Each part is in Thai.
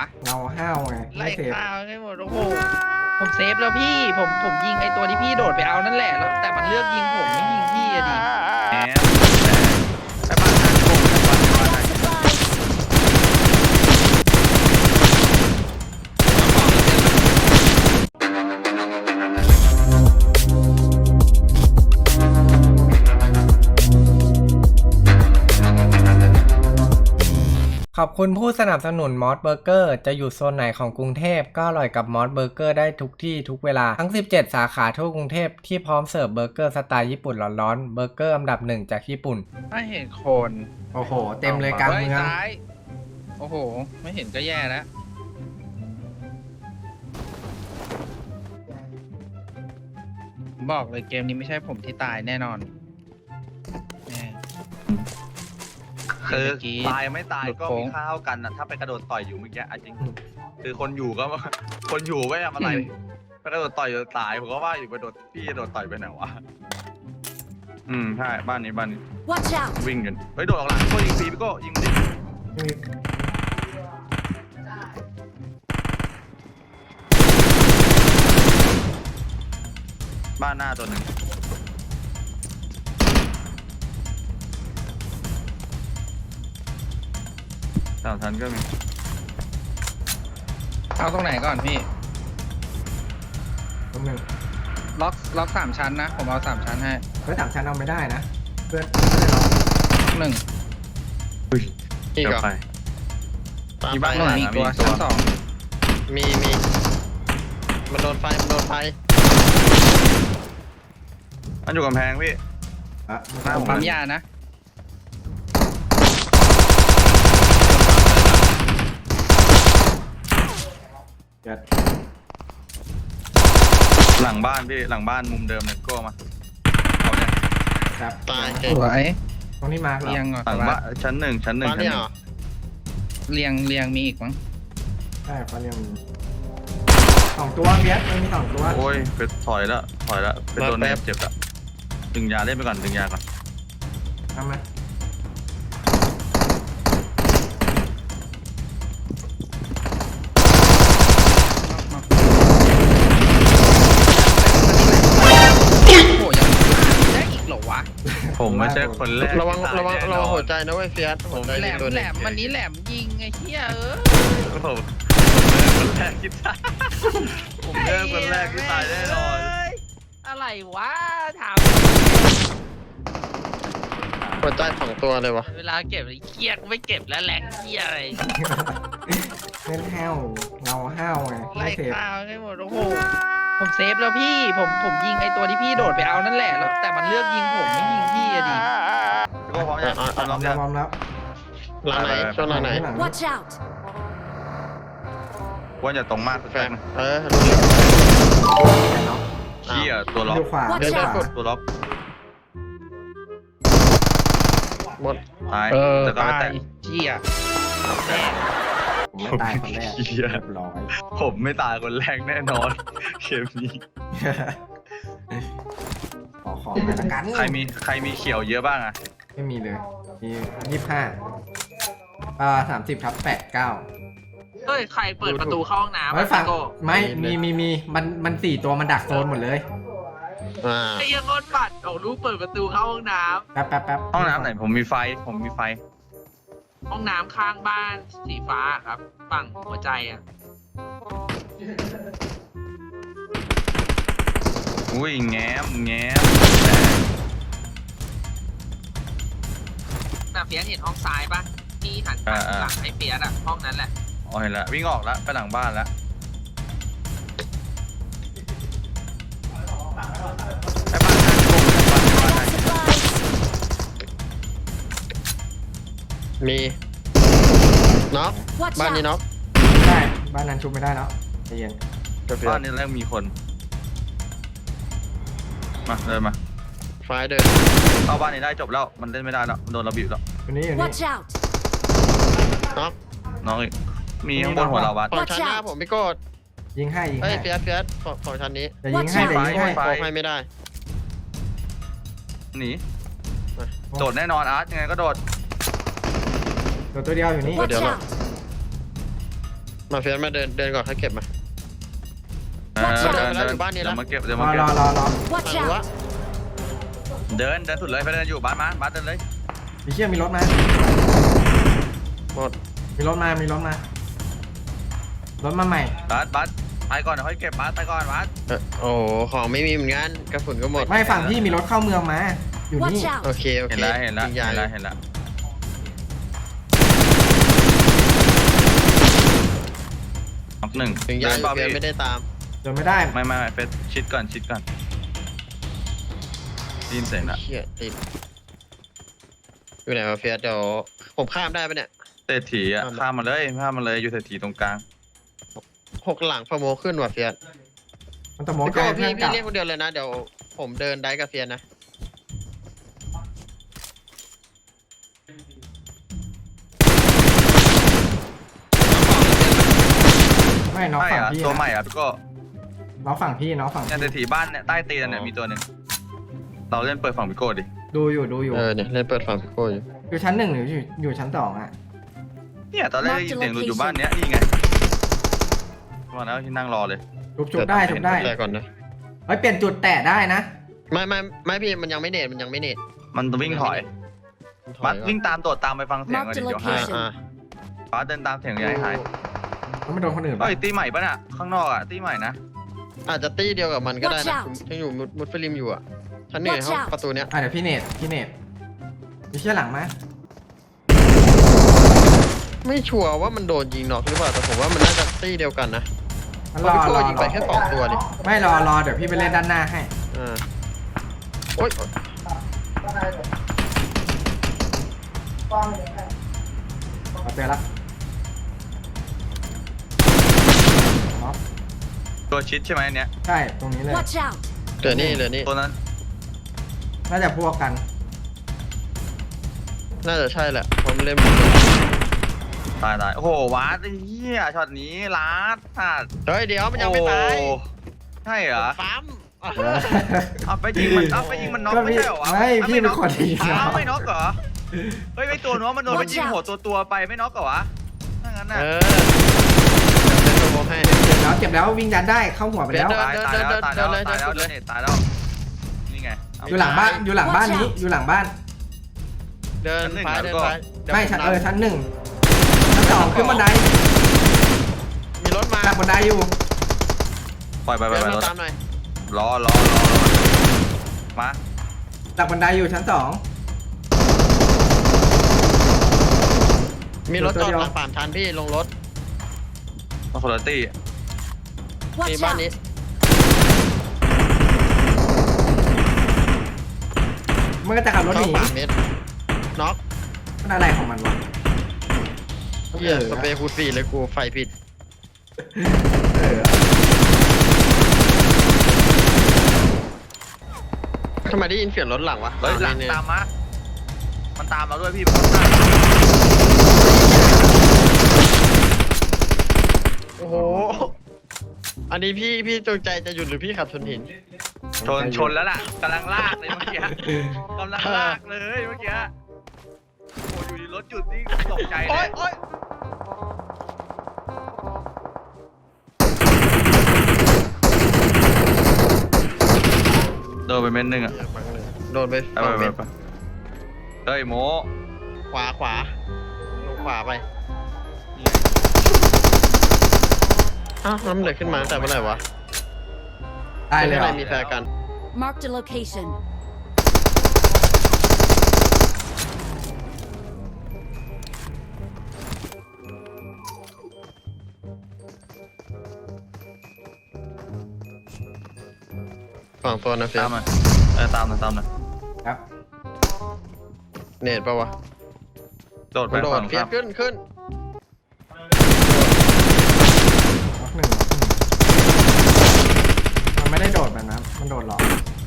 ะเราห้าวไงไล่ไม่เซฟข้าวให้หมดโอ้โหผมเซฟแล้วพี่ผมยิงไอตัวที่พี่โดดไปเอานั่นแหละแล้วแต่มันเลือกยิงผมไม่ยิงพี่อะดิแหมไปบ้านนั้นผมไปบ้านนั้นขอบคุณผู้สนับสนุนมอสเบอร์เกอร์จะอยู่โซนไหนของกรุงเทพก็อร่อยกับมอสเบอร์เกอร์ได้ทุกที่ทุกเวลาทั้ง17สาขาทั่วกรุงเทพที่พร้อมเสิร์ฟเบอร์เกอร์สไตล์ญี่ปุ่นร้อนๆเบอร์เกอร์อันดับ1จากญี่ปุ่นไม่เห็นคนโอ้โหเต็มเลยกลางเมืองซ้ายโอ้โหไม่เห็นก็แย่แล้วบอกเลยเกมนี้ไม่ใช่ผมที่ตายแน่นอนแน่คือเมื่อกี้ตายไม่ตายก็หลุดโค้มีงค่าเท่ากันนะถ้าไปกระโดดต่อยอยู่เมื่อกี้จริงคือคนอยู่ก็ คนอยู่ไม่ทำอะไรไปกระโดดต่อยจนตายผมก็ว่าอยู่กระโดดพี่จะโดดต่อยไปไหนวะใช่บ้านนี้ Watch out! วิ่งกันเฮ้ยโดดออกหลังก็ยิงฟรีพี่ก็ยิงดิบ้านหน้าตัวหนึ่งสามชั้นก็มีเอาตรงไหนก่อนพี่ตรงหนึ่งล็อก3 ชั้นนะผมเอา3 ชั้นให้เฮ้ย3 ชั้นเอาไม่ได้นะเพื่อนหนึ่งอีกเหรอไปตามมีไปบ้านหนึ่งอีกตัวชั้น 2 มีมันโดนไฟมันโดนไฟมันอยู่กำแพงพี่อ่ะผมปั๊มยานะเดี๋ยวหลังบ้านพี่หลังบ้านมุมเดิมเลยก็มาเอาเนี่ยครับตายสวยตรงนี้มาร์คเหรอเรียงก่อนหลังบ้านชั้นหนึ่งบ้านเนี่ยเหรอเรียงมีอีกมั้งใช่เขาเรียกมี2 ตัวเบียสมันมี2 ตัวโอ้ยเป็นถอยแล้วเป็นโดนแนบเจ็บแล้วดึงยาเล่นไปก่อนดึงยาก่อนทำไหมโอ้โหยังได้อีกเหรอวะผมไม่ใช่คนแรกระวังที่ตายแน่นอนหัวใจนะเว้ยเฟียสหัวใจแหลมีมตัวหแหลนึงมวันนี้แหลมยิงไอ้เหี้ยผมคนแรกที่ตายผมเจอคนแรกที่ตายแน่นอนอะไรวะถามหัวใจ2 ตัวเลยวะเวลาเก็บไอ้เหี้ยกูไม่เก็บแล้วแหลกเหี้ยอะไรเล่นห้าวเราห้าวไงไล่ไม่เซฟข้าวให้หมดโอ้โหผมเซฟแล้วพี่ผมยิงไอตัวที่พี่โดดไปเอานั่นแหละแล้วแต่มันเลือกยิงผมไม่ยิงพี่อะดิพี่ก็พร้อมยังพร้อมพยังร้อมแล้วหลังไหนช่วงหลังไหนหลัง Watch out! ว่าอย่าตรงมากแฟแฟนนรู้เรื่องเชี่ยตัวล็อกดูขวา Watch ดูขวา out ตัวล็อกหมดตายแต่ก็ตาไม่แตยกเหี้ยแม่งผมไม่ตายคนแรกเหี้ยเรียบร้อยผมไม่ตายคนแรกแน่นอนเกมนี้ขอของหน่อยละกันใครมีเขียวเยอะบ้างอะไม่มีเลย มี25 30/89 เฮ้ยใครเปิดประตูเข้าห้องน้ำไว้ฟังโก้ไม่มีมัน4 ตัวมันดักโซนหมดเลยไอ้ยังคนบัตรเอาลูกเปิดประตูเข้าห้องน้แป๊บห้องน้ำไหนผมมีไฟำห้องน้ำข้างบ้านสีฟ้าครับ ฝั่งหัวใจอ่ะอุ้ยแง้มน่ะเฟียสเห็นห้องซ้ายปะที่หันหลังให้เฟียสอ่ะห้องนั้นแหละอ๋อเห็นแล้ววิ่งออกแล้วไปหลังบ้านแล้ว ไปบ้านนั้นบ้านนั้นมีน็อก Watch บ้านนี้ out! น็อกได้ บ้านนั้นชุบไม่ได้แล้วใจเย็นบ้านนี้แรกมีคน มาเดินมาไฟเดินเข้าบ้านนี้ได้จบแล้วมันเล่นไม่ได้แล้วโดนระบีบแล้วอยู่นี่ Watch out! น็อกน้องอีกมีข้างบนหัวเราวัดฝั่งชั้นหน้าผมพี่โกดยิงให้เฮ้ยเฟียสฝั่งชั้นนี้จะยิงให้ Watch เดี๋ยวยิงให้ไฟโอ้ให้ไม่ได้หนีโดดแน่นอนอาร์ตยังไงก็โดดตัวเดียวอยู่นี่ Watch Watch out! out! มาเฟียสมาเดินก่อนให้เก็บมาเดินอยู่บ้านนี้เดี๋แล้ยว วมาเก็บเดี๋ยวรมาอเก็รบอรอรอ Watch รู้ว่า out! เดินสุดเลยไปเดินอยู่บ้านมาเดินเลยมีเชี่ยมีรถมาหมดมีรถมา มีรถมา รถมาใหม่บัสไปก่อนเดี๋ยวค่อยเก็บบัสไปก่อนบัสโอ้โหของไม่มีเหมือนกันกระสุนก็หมดไม่ฝั่งพี่มีรถเข้าเมืองมา อยู่นี่ Watch out! โอเคโอเห็เคนแล้วเห็นแล้วยิงยาเห็นแล้วน็อกหนึ่งยิงเดิยานเปล่าเฟียสพี่ไม่ได้ตามเดินไม่ได้ไม่เฟสชิดก่อนได้ยินเสียงละเชี่ยติดอยู่ไหนมาเฟียสเดี๋ยวผมข้ามได้ปะเนี่ยเศรษฐีอ่ะข้ามมาเลยอยู่เศรษฐีตรงกลาง 6 หลังฟอร์โมขึ้นว่ะเฟียสมันตะโมกพี่ใจโก้เพื่พี่อนกลับเรียกคนเดียวเลยนะเดี๋ยวผมเดินได้กับเฟียสนะไม่น้องใช่ฝั่งอ่ะพี่ตัวใหม่นะอ่ะพี่ก็น้องฝั่งพี่น้องฝั่งเนี่ยพี่เศรษฐีบ้านเนี่ยใต้ตีนเนี่ยมีตัวหนึ่งเราเล่นเปิดฝั่งพี่โก้ดิดูอยู่เนี่ยเล่นเปิดฝั่งพี่โก้อยู่อยู่ชั้นหนึ่งหรืออยู่ชั้นสองอ่ะเนี่ยตอนแรกได้ยินเสียงหลุดอยู่บ้านเนี้ยนี่ไงมาแล้วที่นั่งรอเลยจุบได้จุบได้แต่ก่อนนะเฮ้ยเปลี่ยนจุดแตะได้นะไม่พี่มันยังไม่เนตมันวิ่งถอย บัสวิ่งตามโดดตามไปฟังเสียงก่อนดิเดี๋ยวหาย Location บัสเดินตามเสียงอย่าให้หายแล้วไม่โดนคนอื่นปะเฮ้ยตีใหม่ปะน่ะข้างนอกอ่ะตีใหม่นะอาจจะตี้เดียวกับมันก็ได้ Watch นะ out ยังอยู่มุดฟิลิมอยู่อ่ะชั้นหนึ่ง Watch ห้อง out ประตูเนี้ยเดี๋ยวพี่เนตมีเชี่ยหลังไหมไม่ชัวร์ว่ามันโดนยิงน็อกหรือเปล่าแต่ผมว่ามันน่าจะตี้เดียวกันนะมันเพรราะอพี่รโก้อยิงไปแค่2 ตัวดิไม่รอเดี๋ยวพี่ไปเล่นด้านหน้าให้อ่าโอ๊ยเอาเจอละอ๋อตัวชิดใช่ไหมอันเนี้ยใช่ตรงนี้เลย Watch out! เหลือนี่ตัวนั้นน่าจะพวกกันน่าจะใช่แหละผมเล่นตายโอ้โหวัดไอ้เหี้ยช็อตนี้ลัดสัตว์เฮ้ยเดี๋ยวมันยังไม่ตายโอ้ใช่เหรอปั๊มเอาไปยิงมันน็อกไม่ใช่เหรอวะไม่พี่เป็นคนยิงอ้าวไม่น็อกเหรอเฮ้ยไม่ตัวน้องมันโดนไปยิงหัวตัวไปไม่น็อกเหรอวะถ้างั้นน่ะเป็นตัวโมให้เจ็บแล้ววิ่งยันได้เข้าหัวไปแล้วเดินตายแล้วนี่ไงอยู่หลังบ้านนี้อยู่หลังบ้านเดินไปไม่ชั้นหนึ่งชั้นสองขึ้นบันไดมีรถมาหลังบันไดอยู่ปล่อยไปเดินรมาถตามหน่อยรอมาหลังบันไดอยู่ชั้นสองมีรถจอดหลังป่านทันพี่ลงรถมาคนละตี้มี Watch บ้านนี้ out! มันก็จะขับรถหเข้านีป่าเม็ดน็อกมันอะไรของมันวะเฮียสเปรย์คูดฟรีเลยกูไฟผิด ทำไมได้ยินเสียงรถหลังวะเฮ้ยหลังนี่ตามมามันตามเราด้วยพี่มันตามโอ้โห อันนี้พี่จงใจจะหยุดหรือพี่ขับชนหินชนแล้วล่ะกำลังลากเลยเมื่อกี้กำลังลากเลยเมื่อกี้โอ้อยู่ดีรถจุดนี่ตกใจเลยโอ๊ยโดนไปเม็ดนึงอ่ะโดนไปไปฝั่งเม็ดเฮ้ยโมขวาลงขวาไปอ้าวน้ำเหลือขึ้นมาตั้งแต่เมื่อไหร่วะตายเลยเหรข้องในมีแฟร์กัน Marked a location. ฝั่งตัวนะเฟียตามสมาตามหน่อยครับเนตปะวะโดดไปมันโดฝั่ดงเฟียสขึ้นล็อกหนึ่งมันไม่ได้โดดแบบนั้นมันโดดหรอก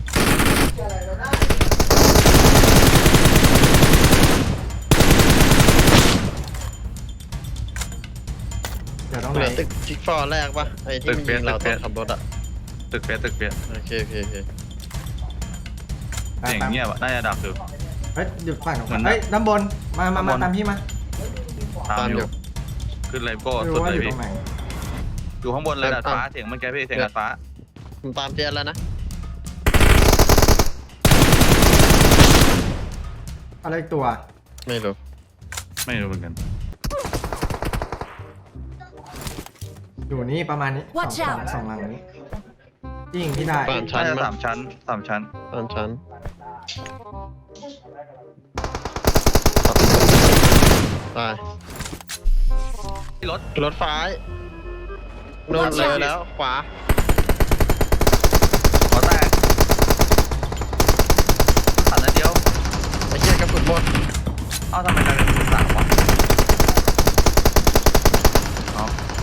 เดี๋ยวต้องเหไหนลือตึกจิ๊กฟอร์แรกปะไอ้ที่มันยิงเราตอนขับรถอะตึกเปียโอเคเสียงเงียบน่าจะดับอยู่เฮ้ยหยุดฝั่งเหมือนเฮ้ยด้านบนมาด้านบนตามพี่มาตามอยู่ขึ้นเลยโก้ไม่สุรู้ดว่าเลอย ยู่ตรพี่งไหนอยู่ข้างบนเลยดาดฟ้าเสียงมันแกพี่เสียงดาดฟ้าผมตามเตียนแล้วนะอะไรอีกตัวไม่รู้ไม่รู้เหมือนกันอยู่นี่ประมาณนี้ Watch สอง out สองหลังนี้ยิงที่ได้บ้านชั้นน่าจะมั้งสามชั้นตามชั้นตายรถรถไฟโน่นเลยแล้วขวาหัวแตกขันนัดเดียวไอ้เหี้ยกระสุนหมดเอ้าทำไมกลายเป็นมือสามวะอ๋อ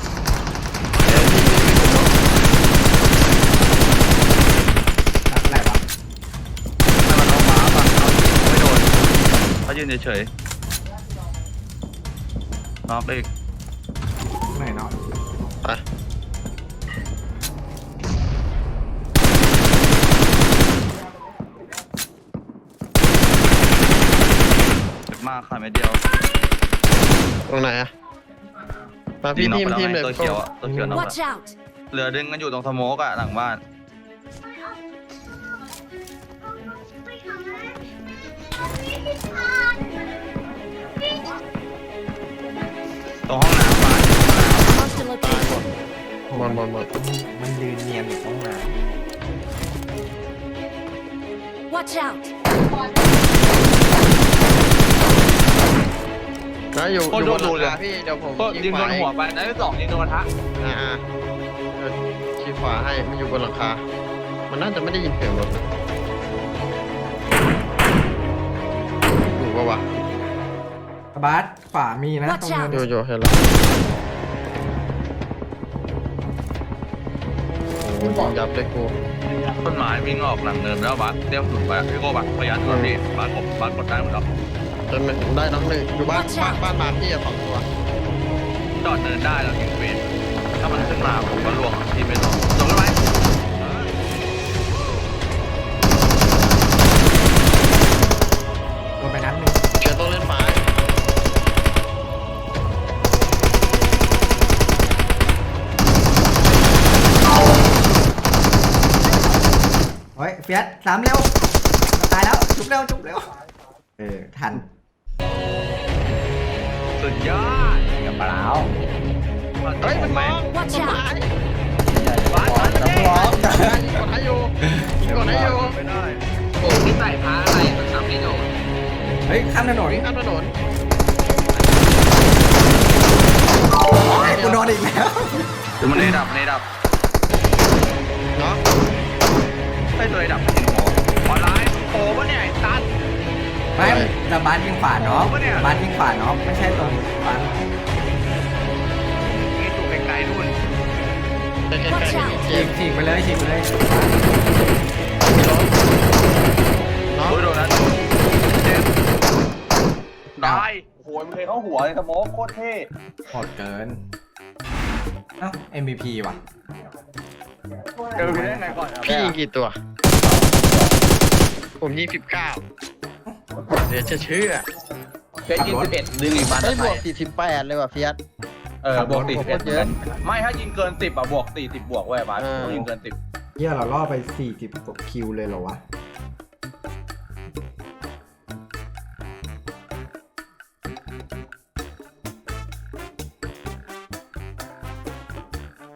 ตัดอะไรวะให้มันเอาฟ้าฝั่งเอาไม่โดนเขายืนเฉยๆน็อกอีกไหนเนาะไปเจ็บมากค่ะเม็ดเดียวตรงไหนอะมาพี่น็อกทีมไปทีมแล้วเลยตัวเขียวอะตัวเขียวน็อก Watch อะ out! เหลือดึงกันอยู่ตรงสโมกอะหลังบ้านตรงห้องน้ำบ้าน Marked a location. หมดมันยืนเนียนอยู่ตรงนั้น Watch out! แล้วอยู่โคตรอยู่บนโดหลันงเลยคาพี่เดี๋ยวผมก็ยิงโดนหัวไปนัดที่สองยิงโดนกระทะอ่าชี้ขวาให้มันอยู่บนหลังคา มันน่าจะไม่ได้ยินเสียงรถนะอยู่ปะวะบาสขวามีนะตรงนั้นอยู่เห็นแล้วโอ้ยยิงยับเลยกูต้นไม้วิ่งออกหลังเนินแล้วบัสเตี้ยมสุดไปพี่โก้บัสพยายามดูพี่บัสผมบัสกดได้หมดแล้วจนได้น้องหนึ่งอยู่บ้านมาพี่อะ2 ตัวจอดเนินได้แล้วทิ้งเฟนถ้ามันขึ้นมาผมก็ล่วงพี่ไม่ต้องลงได้ไหมโดนไปนัดหนึงเชียร์ต้องเล่นไม้เฮ้ยเฟียสสามเร็วจะตายแล้วจุบเร็วจุบเร็วทันสุดยอดกับเปล่าเฮ้ยมันมอง Watch ต้น out ไม้บัสบัสไม่ได้กดให้อยู่กดให้อยู่ไม่ได้โอ้พี่ใส่ผ้าอะไรมันซ้ำไม่โดนเฮ้ยข้ามถนนวิ่งข้ามถนนกูโดนอีกแล้วเดี๋ยวมันในดับเนาะให้ตัวในดับเห็นหัวออนไลน์โผล่ปะเนี่ยไอ้ตันไม่แต่บาสยิงขวาเนาะปะเนี่ยบาสยิงขวาเนาะไม่ใช่ตรงบาสยิงถูกไกลๆนู่นใกล้ๆนี่เจฉีมกฉีกไปเลยฉีกไปเลยเนาะโอ้ยโดนนะเจมได้โอ้โหมันเคยเข้าหัวเลยสโมกโคตรเท่โหดเกินเอ้า MVP ว่ะเจอพี่ได้ไงก่อนพี่ยิงกี่ตัว ผมยิง19เดี๋ยวจะเชื่อเฟสยิง11ดึงอีกบันได้บวก48เลยว่ะเฟียสบวก40 โคตรเยอะไม่ถ้ายิงเกิน10อ่ะบวก40บวกเว้ยบาสเออต้องยิงเกิน10 เฮียเราล่อไป40กว่าคิวเลยเหรอวะ